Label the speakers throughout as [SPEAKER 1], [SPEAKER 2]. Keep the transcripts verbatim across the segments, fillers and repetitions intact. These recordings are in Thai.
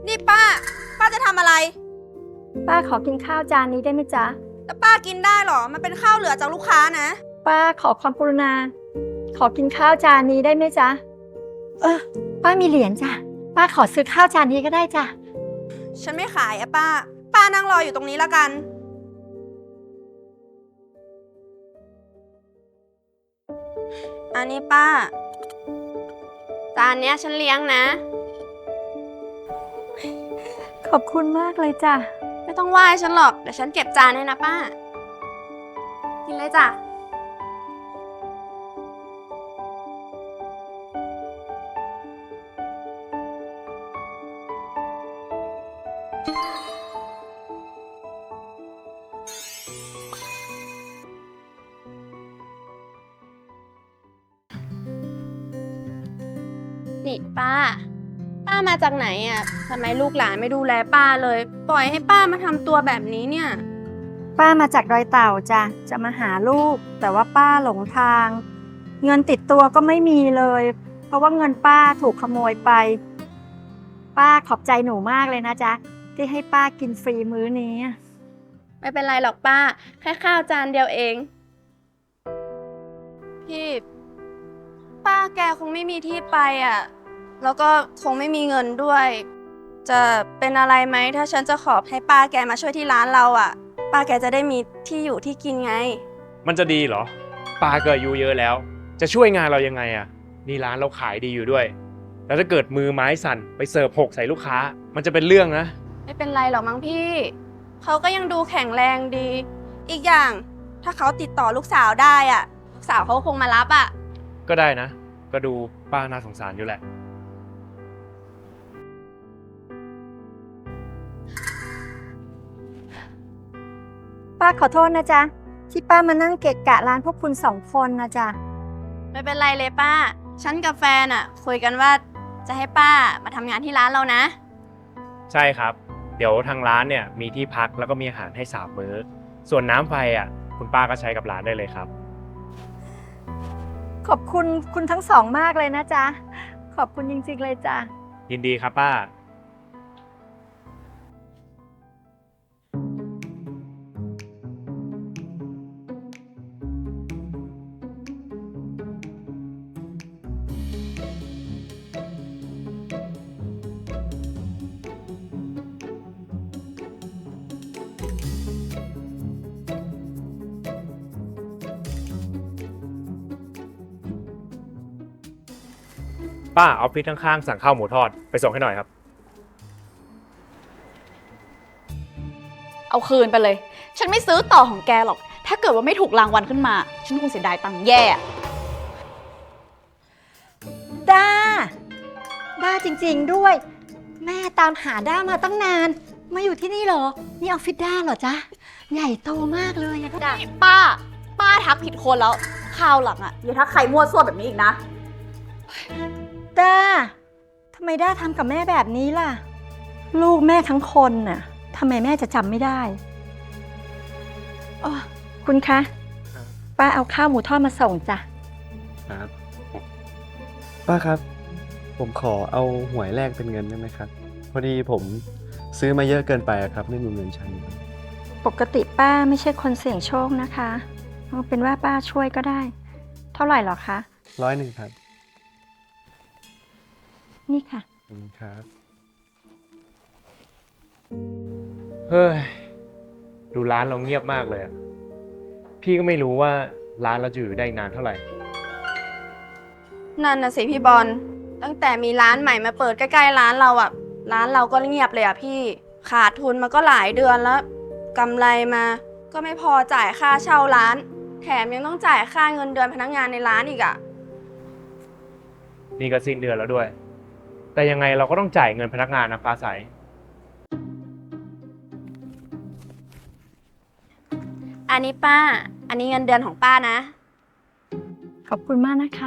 [SPEAKER 1] นี่ป้า ป้าจะทำอะไร
[SPEAKER 2] ป้าขอกินข้าวจานนี้ได้ไหมจ๊ะ
[SPEAKER 1] แล้วป้ากินได้หรอ มันเป็นข้าวเหลือจากลูกค้านะ
[SPEAKER 2] ป้าขอความกรุณา ขอกินข้าวจานนี้ได้ไหมจ๊ะเออป้ามีเหรียญจ้ะป้าขอซื้อข้าวจานนี้ก็ได้จ้ะ
[SPEAKER 1] ฉันไม่ขายอะป้า ป้านั่งรออยู่ตรงนี้ละกัน อันนี้ป้า จานเนี้ยฉันเลี้ยงนะ
[SPEAKER 2] ขอบคุณมากเลยจ้ะ
[SPEAKER 1] ไม่ต้องไหว้ฉันหรอก เดี๋ยวฉันเก็บจานให้นะป้า กินเลยจ้ะ นี่ป้า ป้ามาจากไหนอ่ะทำไมลูกหลานไม่ดูแลป้าเลย ปล่อยให้ป้ามาทำตัวแบบนี้เนี่ย
[SPEAKER 2] ป้ามาจากดอยเต่าจ้ะจะมาหาลูก แต่ว่าป้าหลงทาง เงินติดตัวก็ไม่มีเลย เพราะว่าเงินป้าถูกขโมยไป ป้าขอบใจหนูมากเลยนะจ๊ะที่ให้ป้ากินฟรีมื้อนี้
[SPEAKER 1] ไม่เป็นไรหรอกป้า แค่ข้าวจานเดียวเอง พี่ ป้าแกคงไม่มีที่ไปอ่ะ แล้วก็คงไม่มีเงินด้วย จะเป็นอะไรไหมถ้าฉันจะขอให้ป้าแกมาช่วยที่ร้านเราอ่ะ ป้าแกจะได้มีที่อยู่ที่กินไง
[SPEAKER 3] มันจะดีเหรอป้าก็อายุเยอะแล้ว จะช่วยงานเรายังไงอะนี่ร้านเราขายดีอยู่ด้วย แล้วถ้าเกิดมือไม้สั่นไปเสิร์ฟหกใส่ลูกค้า มันจะเป็นเรื่องนะ
[SPEAKER 1] ไม่เป็นไรหรอกมั้งพี่ เขาก็ยังดูแข็งแรงดี อีกอย่างถ้าเขาติดต่อลูกสาวได้อ่ะ ลูกสาวเขาคงมารับอ่ะ
[SPEAKER 3] ก็ได้นะ ก็ดูป้าน่าสงสารอยู่แหละ
[SPEAKER 2] ป้าขอโทษนะจ๊ะที่ป้ามานั่งเกะกะร้านพวกคุณสองคนนะจ๊ะ
[SPEAKER 1] ไม่เป็นไรเลยป้า ฉันกับแฟนอ่ะ คุยกันว่าจะให้ป้ามาทำงานที่ร้านเรานะ
[SPEAKER 3] ใช่ครับ เดี๋ยวทางร้านเนี่ยมีที่พักแล้วก็มีอาหารให้สามมื้อ ส่วนน้ำไฟอ่ะคุณป้าก็ใช้กับร้านได้เลยครับ
[SPEAKER 2] ขอบคุณคุณทั้งสองมากเลยนะจ๊ะขอบคุณจริงๆเลยจ้ะ
[SPEAKER 3] ยินดีครับป้า ป้าออฟฟิศข้างๆสั่งข้าวหมูทอดไปส่งให้หน่อยครับ
[SPEAKER 4] เอาคืนไปเลย ฉันไม่ซื้อต่อของแกหรอก ถ้าเกิดว่าไม่ถูกรางวัลขึ้นมา ฉันคงเสียดายตังค์แย่
[SPEAKER 2] ด้าด้าจริงๆด้วย แม่ตามหาด้ามาตั้งนาน มาอยู่ที่นี่เหรอ นี่ออฟฟิศด้าเหรอจ๊ะ ใหญ่โตมากเลยอะด้า
[SPEAKER 4] ป้า ป้าทักผิดคนแล้วคราวหลังอะอย่าทักใครมั่วซั่วแบบนี้อีกนะ
[SPEAKER 2] ด้าทำไมด้าทำกับแม่แบบนี้ล่ะ ลูกแม่ทั้งคนน่ะทำไมแม่จะจำไม่ได้อ๋อคุณคะ
[SPEAKER 3] ครับ
[SPEAKER 2] ป้าเอาข้าวหมูทอดมาส่งจ้ะ
[SPEAKER 5] ครับป้าครับ ผมขอเอาหวยแลกเป็นเงินได้ไหมครับ พอดีผมซื้อมาเยอะเกินไปอะครับ ไม่มีเงินใช้
[SPEAKER 2] ปกติป้าไม่ใช่คนเสี่ยงโชคนะคะเอาเป็นว่าป้าช่วยก็ได้ เท่าไหร่หรอคะ
[SPEAKER 5] ร้อยหนึ่งครับ
[SPEAKER 2] นี่ค่ะ
[SPEAKER 5] ขอบคุณครับ
[SPEAKER 3] เฮ้ย ดูร้านเราเงียบมากเลยอะพี่ก็ไม่รู้ว่าร้านเราจะอยู่ได้อีกนานเท่าไหร่
[SPEAKER 1] นั่นน่ะสิพี่บอล ตั้งแต่มีร้านใหม่มาเปิดใกล้ๆร้านเราอ่ะ ร้านเราก็เงียบเลยอ่ะพี่ ขาดทุนมาก็หลายเดือนแล้วกำไรมา ก็ไม่พอจ่ายค่าเช่าร้าน แถมยังต้องจ่ายค่าเงินเดือนพนักงานในร้านอีกอ่ะ
[SPEAKER 3] นี่ก็สิ้นเดือนแล้วด้วย แต่ยังไงเราก็ต้องจ่ายเงินพนักงานนะฟ้าใส
[SPEAKER 1] อันนี้ป้า อันนี้เงินเดือนของป้านะ
[SPEAKER 2] ขอบคุณมากนะคะ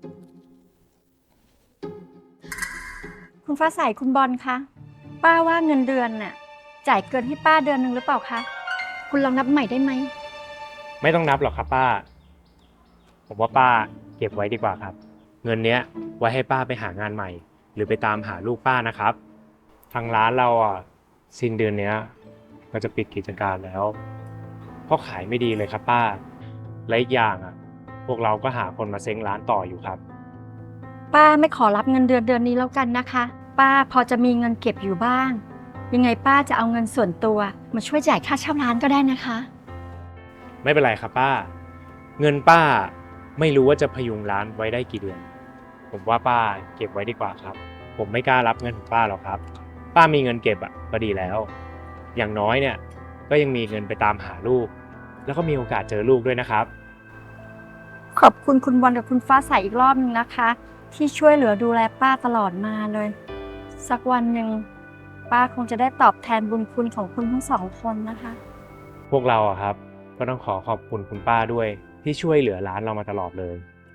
[SPEAKER 2] คุณฟ้าใสคุณบอลคะ ป้าว่าเงินเดือนน่ะจ่ายเกินให้ป้าเดือนหนึ่งหรือเปล่าคะ คุณลองนับใหม่ได้ไหม
[SPEAKER 3] ไม่ต้องนับหรอกครับป้า ผมว่าป้าเก็บไว้ดีกว่าครับ เงินเนี้ยไว้ให้ป้าไปหางานใหม่ หรือไปตามหาลูกป้านะครับทางร้านเราอ่ะสิ้นเดือนเนี้ยก็จะปิดกิจการแล้วเพราะขายไม่ดีเลยครับป้าและอีกอย่างอ่ะพวกเราก็หาคนมาเซ้งร้านต่ออยู่ครับ
[SPEAKER 2] ป้าไม่ขอรับเงินเดือนเดือนนี้แล้วกันนะคะ ป้าพอจะมีเงินเก็บอยู่บ้าง ยังไงป้าจะเอาเงินส่วนตัวมาช่วยจ่ายค่าเช่าร้านก็ได้นะคะ
[SPEAKER 3] ไม่เป็นไรครับป้า เงินป้าไม่รู้ว่าจะพยุงร้านไว้ได้กี่เดือน ผมว่าป้าเก็บไว้ดีกว่าครับ ผมไม่กล้ารับเงินของป้าหรอกครับ ป้ามีเงินเก็บอ่ะก็ดีแล้ว อย่างน้อยเนี่ยก็ยังมีเงินไปตามหาลูก แล้วก็มีโอกาสเจอลูกด้วยนะครับ
[SPEAKER 2] ขอบคุณคุณบอลกับคุณฟ้าใสอีกรอบนึงนะคะ ที่ช่วยเหลือดูแลป้าตลอดมาเลย สักวันหนึ่งป้าคงจะได้ตอบแทนบุญคุณของคุณทั้งสองคนนะคะ
[SPEAKER 3] พวกเราอะครับก็ต้องขอขอบคุณคุณป้าด้วยที่ช่วยเหลือร้านเรามาตลอดเลย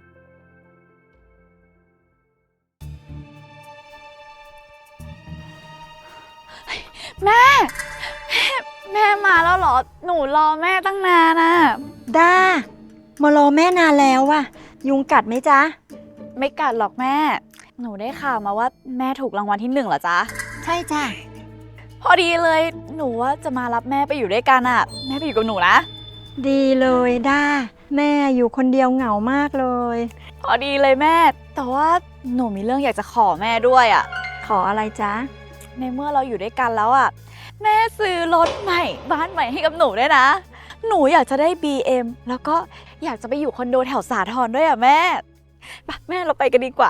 [SPEAKER 4] แม่ แม่มาแล้วเหรอ หนูรอแม่ตั้งนานนะ
[SPEAKER 2] ด้ามารอแม่นานแล้วว่ะ ยุงกัดไหมจ๊ะ
[SPEAKER 4] ไม่กัดหรอกแม่ หนูได้ข่าวมาว่าแม่ถูกรางวัลที่หนึ่งเหรอจ๊ะ
[SPEAKER 2] ใช่จ้ะ
[SPEAKER 4] พอดีเลย หนูว่าจะมารับแม่ไปอยู่ด้วยกันอะแม่ไปอยู่กับหนูนะ
[SPEAKER 2] ดีเลยด้าแม่อยู่คนเดียวเหงามากเลย
[SPEAKER 4] พอดีเลยแม่ แต่ว่าหนูมีเรื่องอยากจะขอแม่ด้วยอะ
[SPEAKER 2] ขออะไรจ๊ะ
[SPEAKER 4] ในเมื่อเราอยู่ด้วยกันแล้วอะแม่ซื้อรถใหม่บ้านใหม่ให้กับหนูด้วยนะ หนูอยากจะได้ บี เอ็ม แล้วก็อยากจะไปอยู่คอนโดแถวสาทรด้วยอะแม่ไปแม่เราไปกันดีกว่า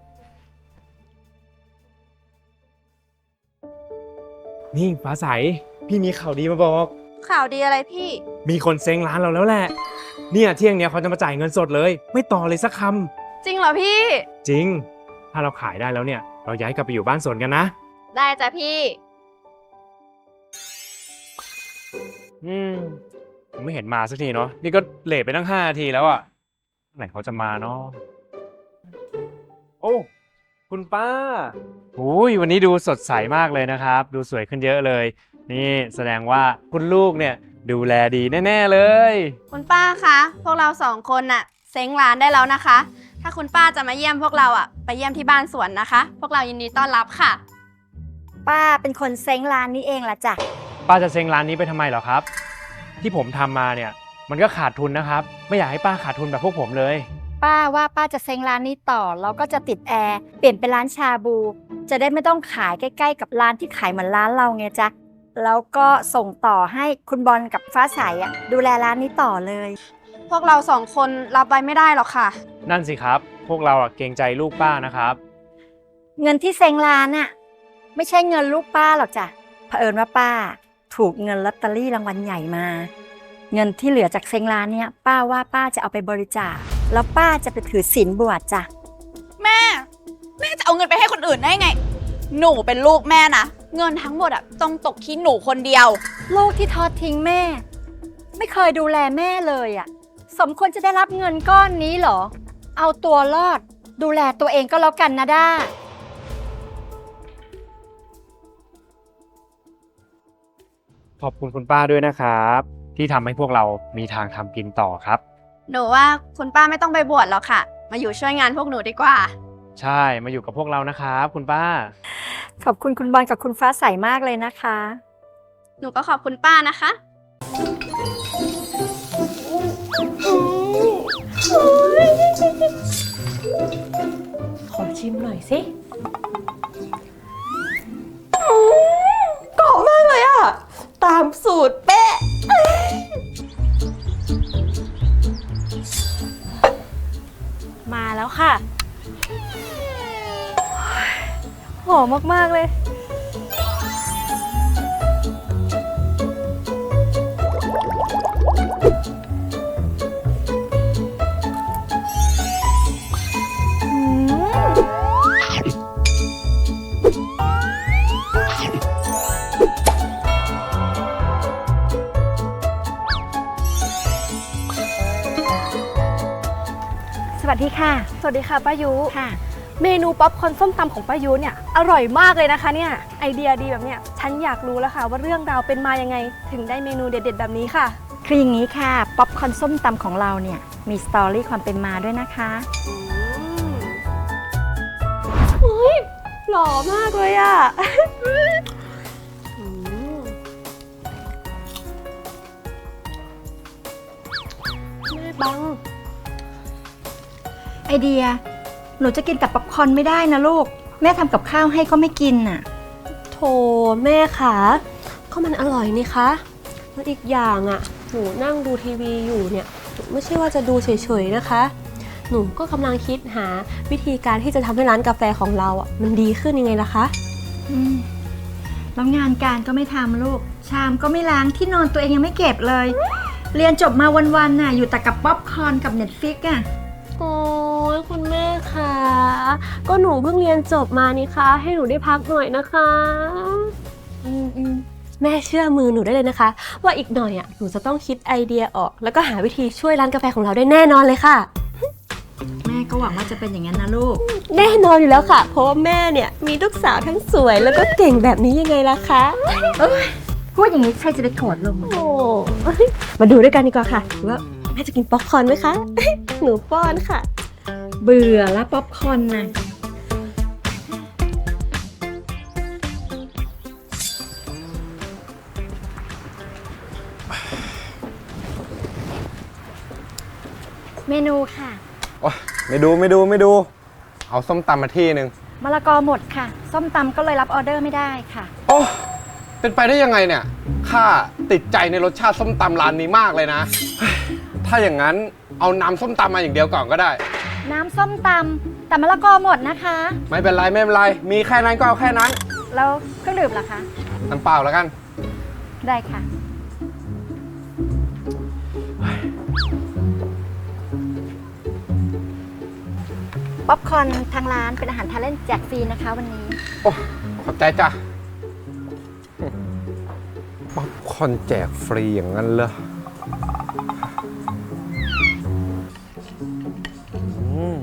[SPEAKER 3] นี่ฟ้าใสพี่มีข่าวดีมาบอก
[SPEAKER 1] ข่าวดีอะไรพี่
[SPEAKER 3] มีคนเซ้งร้านเราแล้วแหละ เนี่ยเที่ยงเนี้ยเขาจะมาจ่ายเงินสดเลย ไม่ต่อเลยสักค
[SPEAKER 1] จริงเหรอพี่
[SPEAKER 3] ำจริง ถ้าเราขายได้แล้วเนี่ย เราย้ายกลับไปอยู่บ้านสวนกันนะ
[SPEAKER 1] ได้จ้ะพี่
[SPEAKER 3] อืมผมไม่เห็นมาสักทีเนาะนี่ก็เลทไปตั้งห้านาทีแล้วอะไหนเขาจะมาเนาะโอ้คุณป้าโอ้ยวันนี้ดูสดใสมากเลยนะครับ ดูสวยขึ้นเยอะเลย นี่แสดงว่าคุณลูกเนี่ยดูแลดีแน่ๆเลย
[SPEAKER 1] คุณป้าคะ พวกเราสองคนน่ะเซ้งร้านได้แล้วนะคะ ถ้าคุณป้าจะมาเยี่ยมพวกเราอ่ะไปเยี่ยมที่บ้านสวนนะคะ พวกเรายินดีต้อนรับค่ะ
[SPEAKER 2] ป้าเป็นคนเซ้งร้านนี้เองล่ะจ้ะ
[SPEAKER 3] ป้าจะเซ็งร้านนี้ไปทำไมเหรอครับ ที่ผมทำมาเนี่ย มันก็ขาดทุนนะครับ ไม่อยากให้ป้าขาดทุนแบบพวกผมเลย
[SPEAKER 2] ป้าว่าป้าจะเซ้งร้านนี้ต่อแล้วก็จะติดแอร์เปลี่ยนเป็นร้านชาบู จะได้ไม่ต้องขายใกล้ๆกับร้านที่ขายเหมือนร้านเราไงจ๊ะแล้วก็ส่งต่อให้คุณบอลกับฟ้าใสอ่ะดูแลร้านนี้ต่อเลย
[SPEAKER 1] พวกเราสองคนรับไว้ไม่ได้หรอกค่ะ
[SPEAKER 3] นั่นสิครับ พวกเราอะเกรงใจลูกป้านะครับ
[SPEAKER 2] เงินที่เซ้งร้านน่ะไม่ใช่เงินลูกป้าหรอกจ้ะเผอิญว่าป้าถูกเงินลอตเตอรี่รางวัลใหญ่มา เงินที่เหลือจากเซ้งร้านเนี่ยป้าว่าป้าจะเอาไปบริจาคแล้วป้าจะไปถือศีลบวชจ้ะ
[SPEAKER 4] แม่ แม่จะเอาเงินไปให้คนอื่นได้ไง หนูเป็นลูกแม่นะ เงินทั้งหมดอะต้องตกที่หนูคนเดียว
[SPEAKER 2] ลูกที่ทอดทิ้งแม่ ไม่เคยดูแลแม่เลยอ่ะสมควรจะได้รับเงินก้อนนี้เหรอ เอาตัวรอดดูแลตัวเองก็แล้วกันนะด้า
[SPEAKER 3] ขอบคุณคุณป้าด้วยนะครับ ที่ทำให้พวกเรามีทางทำกินต่อครับ
[SPEAKER 1] หนูว่าคุณป้าไม่ต้องไปบวชหรอกค่ะ มาอยู่ช่วยงานพวกหนูดีกว่า
[SPEAKER 3] ใช่มาอยู่กับพวกเรานะครับ คุณป้า
[SPEAKER 2] ขอบคุณคุณบอลกับคุณฟ้าใสมากเลยนะคะ
[SPEAKER 1] หนูก็ขอบคุณป้านะคะ
[SPEAKER 4] ขอชิมหน่อยสิกรอบมากเลยอะตามสูตรเป๊ะ
[SPEAKER 2] มาแล้วค่ะหอมมากๆเลย สวัสดีค่ะ
[SPEAKER 6] สวัสดีค่ะป้ายุ
[SPEAKER 2] ค่ะ
[SPEAKER 6] เมนูป๊อปคอร์นส้มตำของป้ายุเนี่ยอร่อยมากเลยนะคะเนี่ยไอเดียดีแบบเนี้ยฉันอยากรู้แล้วค่ะว่าเรื่องราวเป็นมายังไง ถึงได้เมนูเด็ดๆแบบนี้ค่ะ
[SPEAKER 2] คืออย่างนี้ค่ะ ป๊อปคอร์นส้มตำของเราเนี่ย มีสตอรี่ความเป็นมาด้วยนะคะ
[SPEAKER 6] เฮ้ยหรอล่อมากเลยอะอืมแม่บัง
[SPEAKER 2] ไอเดีย หนูจะกินแต่ป๊อปคอร์นไม่ได้นะลูก แม่ทำกับข้าวให้ก็ไม่กินน่ะ
[SPEAKER 6] โถแม่คะก็มันอร่อยนี่คะแล้วอีกอย่างอ่ะหนูนั่งดูทีวีอยู่เนี่ยหนูไม่ใช่ว่าจะดูเฉยๆนะคะ หนูก็กำลังคิดหาวิธีการที่จะทำให้ร้านกาแฟของเราอ่ะมันดีขึ้นยังไงล่ะคะ
[SPEAKER 2] อืมแล้วงานการก็ไม่ทำลูก ชามก็ไม่ล้างที่นอนตัวเองยังไม่เก็บเลย เรียนจบมาวันๆน่ะอยู่แต่กับป๊อปคอร์นกับเน็ตฟิกอ่ะ
[SPEAKER 6] โอ้ยคุณแม่คะก็หนูเพิ่งเรียนจบมานี่คะให้หนูได้พักหน่อยนะคะอืมอืมแม่เชื่อมือหนูได้เลยนะคะ ว่าอีกหน่อยอ่ะหนูจะต้องคิดไอเดียออก แล้วก็หาวิธีช่วยร้านกาแฟของเราได้แน่นอนเลยค่ะ
[SPEAKER 2] แม่ก็หวังว่าจะเป็นอย่างนั้นนะลูก
[SPEAKER 6] แน่นอนอยู่แล้วค่ะ เพราะว่าแม่เนี่ยมีลูกสาวทั้งสวยแล้วก็เก่งแบบนี้ยังไงล่ะคะ
[SPEAKER 2] พูดอย่างนี้ใครจะไปโกรธลง
[SPEAKER 6] โอ้มาดูด้วยกันดีกว่าค่ะว่าแม่จะกินป๊อปคอร์นไหมคะ หนูป้อนค่ะ
[SPEAKER 2] เบื่อแล้วป๊อปคอร์นน่ะ เมนูค่ะ
[SPEAKER 7] โอ๊ยไม่ดูไม่ดูไม่ดู เอาส้มตำมาที่หนึ่ง
[SPEAKER 2] มะละกอหมดค่ะ ส้มตำก็เลยรับออเดอร์ไม่ได้ค่ะ
[SPEAKER 7] โอ้เป็นไปได้ยังไงเนี่ยข้าติดใจในรสชาติส้มตำร้านนี้มากเลยนะเฮ้ยถ้าอย่างนั้นเอาน้ำส้มตำมาอย่างเดียวก่อนก็ได้
[SPEAKER 2] น้ำส้มตำแต่มะละกอหมดนะคะ
[SPEAKER 7] ไม่เป็นไรไม่เป็นไร มีแค่นั้นก็เอาแค่นั้น
[SPEAKER 2] แล้วเครื่องดื่มล่ะคะ
[SPEAKER 7] น้ำเปล่าแล้วกัน
[SPEAKER 2] ได้ค่ะ ป๊อปคอร์นทางร้านเป็นอาหารทานเล่นแจกฟรีนะคะวันนี้
[SPEAKER 7] โอ้ขอบใจจ้ะป๊อปคอร์นแจกฟรีอย่างนั้นเหรออืม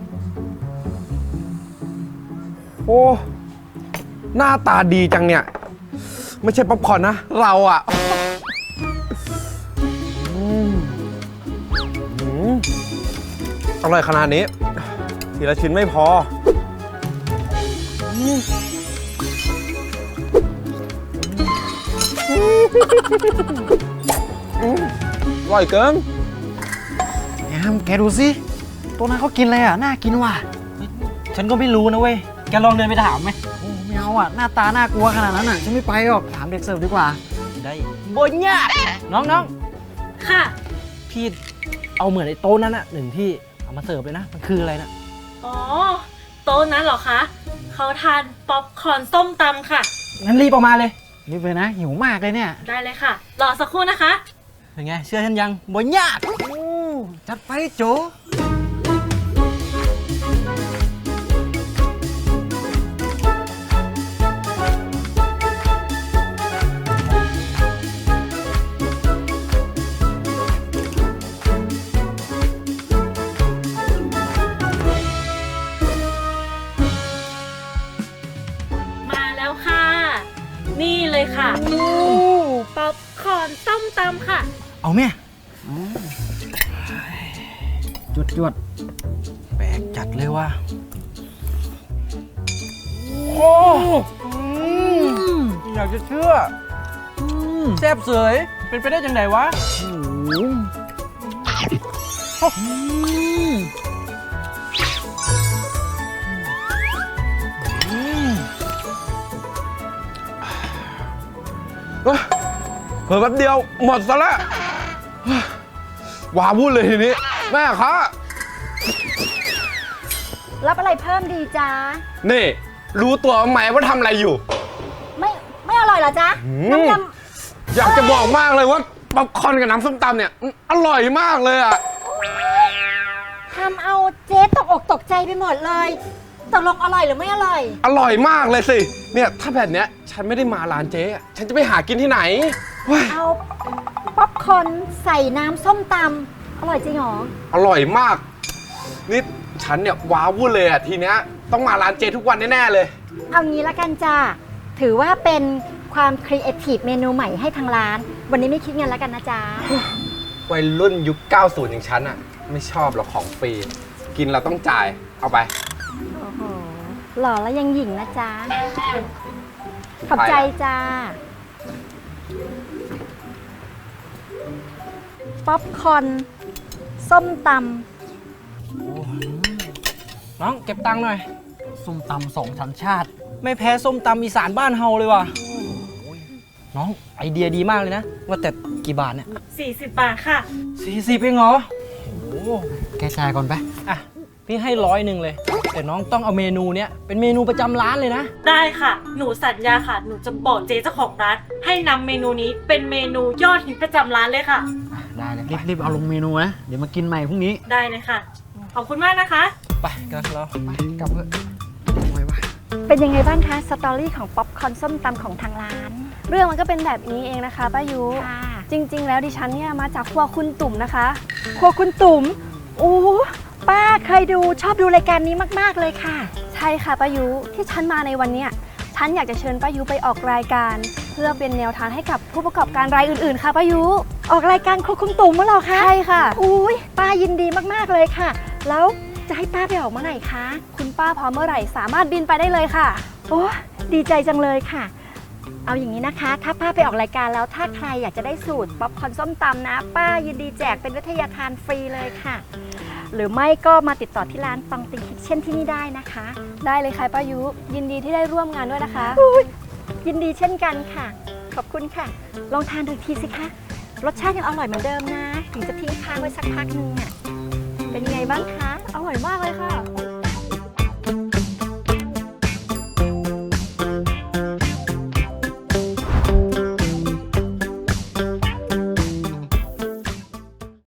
[SPEAKER 7] โอ้หน้าตาดีจังเนี่ย ไม่ใช่ป๊อปคอร์นนะ เราอะอืมอืมอร่อยขนาดนี้ ทีละชิ้นไม่พออืมอืมอร่อยเกิน
[SPEAKER 8] แอมแกดูสิตัวนั้นเขากินอะไรอ่ะ น่ากินว่ะ ฉันก็ไม่รู้นะเว้ย แกลองเดินไปถามไหมโอ้ไม่เอาอ่ะ หน้าตาน่ากลัวขนาดนั้นอ่ะ ฉันไม่ไปหรอก ถามเด็กเสิร์ฟดีกว่า ได้บนยากน้องน้อง
[SPEAKER 6] ค่ะ
[SPEAKER 8] พี่เอาเหมือนไอ้โต๊ะนั้นอ่ะหนึ่งที่ เอามาเสิร์ฟเลยนะ มันคืออะไรนะ
[SPEAKER 9] อ๋อ โต๊ะนั้นเหรอคะ เขาทานป๊อปคอร์นส้มตำค่ะ
[SPEAKER 8] งั้นรีบออกมาเลย รีบเลยนะ หิวมากเลยเนี่ย
[SPEAKER 9] ได้เลยค่ะ รอสักครู่นะคะ
[SPEAKER 8] เป็นไง เชื่อฉันยังบนยากโอ้จัดไปโจ
[SPEAKER 9] มาแล้วค่ะ นี่เลยค่ะ ป๊อปคอร์นส้มตำค่ะ
[SPEAKER 8] เอาแม่จวดจวดแปลกจัดเลยว่ะโอ้อยากจะเชื่อแซ่บเสยเป็นไปได้จังไหนวะ
[SPEAKER 7] เฮ้ยเพิ่มแป๊บเดียวหมดซะแล้วว้าวุ่นเลยทีนี้ แม่คะ
[SPEAKER 2] รับอะไรเพิ่มดีจ้า
[SPEAKER 7] นี่ รู้ตัวไหมว่าทำอะไรอยู่
[SPEAKER 2] ไม่ไม่อร่อยเหรอจ๊ะ
[SPEAKER 7] อืม
[SPEAKER 2] น้ำย
[SPEAKER 7] อยากจะบอกมากเลยว่าป๊อปคอร์นกับน้ำส้มตำเนี่ยอืมอร่อยมากเลยอ่ะ
[SPEAKER 2] ำทำเอาเจ๊ตกอกตกใจไปหมดเลยตกลงอร่อยหรือไม่อร่อย
[SPEAKER 7] อร่อยมากเลยสิ เนี่ยถ้าแบบเนี้ยฉันไม่ได้มาร้านเจ๊อะฉันจะไปหากินที่ไหนเฮ้ย
[SPEAKER 2] เอาป๊อปคอร์นใส่น้ำส้มตำอร่อยจริงเหรอ
[SPEAKER 7] อร่อยมาก นี่ฉันเนี่ยว้าวุ่นเลยอ่ะทีเนี้ยต้องมาร้านเจ๊ทุกวันแน่ๆเลย
[SPEAKER 2] เอางี้ละกันจ้าถือว่าเป็นความครีเอทีฟเมนูใหม่ให้ทางร้าน วันนี้ไม่คิดเงินแล้วกันนะจ๊ะ
[SPEAKER 7] วัยรุ่นยุค เก้าสิบ อย่างฉันอ่ะ ไม่ชอบหรอกของฟรี กินเราต้องจ่าย เอาไป
[SPEAKER 2] โอ้โหหล่อแล้วยังหญิงนะจ๊ะ ขอบใจจ้า ป๊อปคอร์นส้มต
[SPEAKER 8] น้องเก็บตังค์หน่อย ส้มตำสองชั้นชาติ ไม่แพ้ส้มตำอีสานบ้านเฮาเลยว่ะ น้องไอเดียดีมากเลยนะ ว่าแต่กี่บาทเนี่ย
[SPEAKER 9] สี่สิบบาทค่ะ
[SPEAKER 8] สี่สิบเองเหรอโอ้โหแกจ่ายก่อนไปอ่ะ พี่ให้ร้อยหนึ่งเลย แต่น้องต้องเอาเมนูเนี้ยเป็นเมนูประจำร้านเลยนะ
[SPEAKER 9] ได้ค่ะ หนูสัญญาค่ะ หนูจะบอกเจ๊เจ้าของร้าน ให้นำเมนูนี้เป็นเมนูยอดฮิตประจำร้านเลยค่ะ
[SPEAKER 8] ได้เลย
[SPEAKER 10] รีบๆเอาลงเมนูนะ เดี๋ยวมากินใหม่พรุ่งนี้
[SPEAKER 9] ได้เลยค่ะ ขอบคุณมากนะคะ
[SPEAKER 8] ไปกันเราไปกลับเถอะไว้วะ
[SPEAKER 2] ำเป็นยังไงบ้างคะสตอรี่ของป๊อปคอร์นส้มตำของทางร้าน
[SPEAKER 1] เรื่องมันก็เป็นแบบนี้เองนะคะป้ายุ
[SPEAKER 2] ค่ะ
[SPEAKER 1] จริง ๆ แล้วดิฉันเนี่ยมาจากครัวคุณตุ่มนะคะ
[SPEAKER 2] ครัวคุณตุ๋มโอ้ป้าเคยดูชอบดูรายการนี้มากๆเลยค่ะ
[SPEAKER 1] ใช่ค่ะป้ายุที่ฉันมาในวันเนี้ยฉันอยากจะเชิญป้ายุไปออกรายการ เพื่อเป็นแนวทางให้กับผู้ประกอบการรายอื่นๆ ค่ะป้ายุ
[SPEAKER 2] ออกรายการครัวคุณตุ๋มมั้งเหรอคะ
[SPEAKER 1] ใช่ค่ะ
[SPEAKER 2] อุ้ยป้ายินดีมากๆเลยค่ะ แล้วจะให้ป้าไปออกเมื่อไหร่คะ
[SPEAKER 1] คุณป้าพร้อมเมื่อไหร่สามารถบินไปได้เลยค่ะ
[SPEAKER 2] โอ้ดีใจจังเลยค่ะ เอาอย่างนี้นะคะ ถ้าป้าไปออกรายการแล้วถ้าใครอยากจะได้สูตรป๊อปคอร์นส้มตำนะ ป้ายินดีแจกเป็นวิทยาทานฟรีเลยค่ะ หรือไม่ก็มาติดต่อที่ร้านตองติงคิทเช่นที่นี่ได้นะคะ
[SPEAKER 1] ได้เลยค่ะป้ายุยินดีที่ได้ร่วมงานด้วยนะคะ
[SPEAKER 2] ยินดีเช่นกันค่ะ ขอบคุณค่ะ ลองทานดูอีกทีสิคะ รสชาติยังอร่อยเหมือนเดิมนะ ถึงจะทิ้งค้างไว้สักพักนึงอ่ะ เป็นยังไงบ้างคะ
[SPEAKER 1] อร่อยมากเลยค่ะ
[SPEAKER 2] โอ้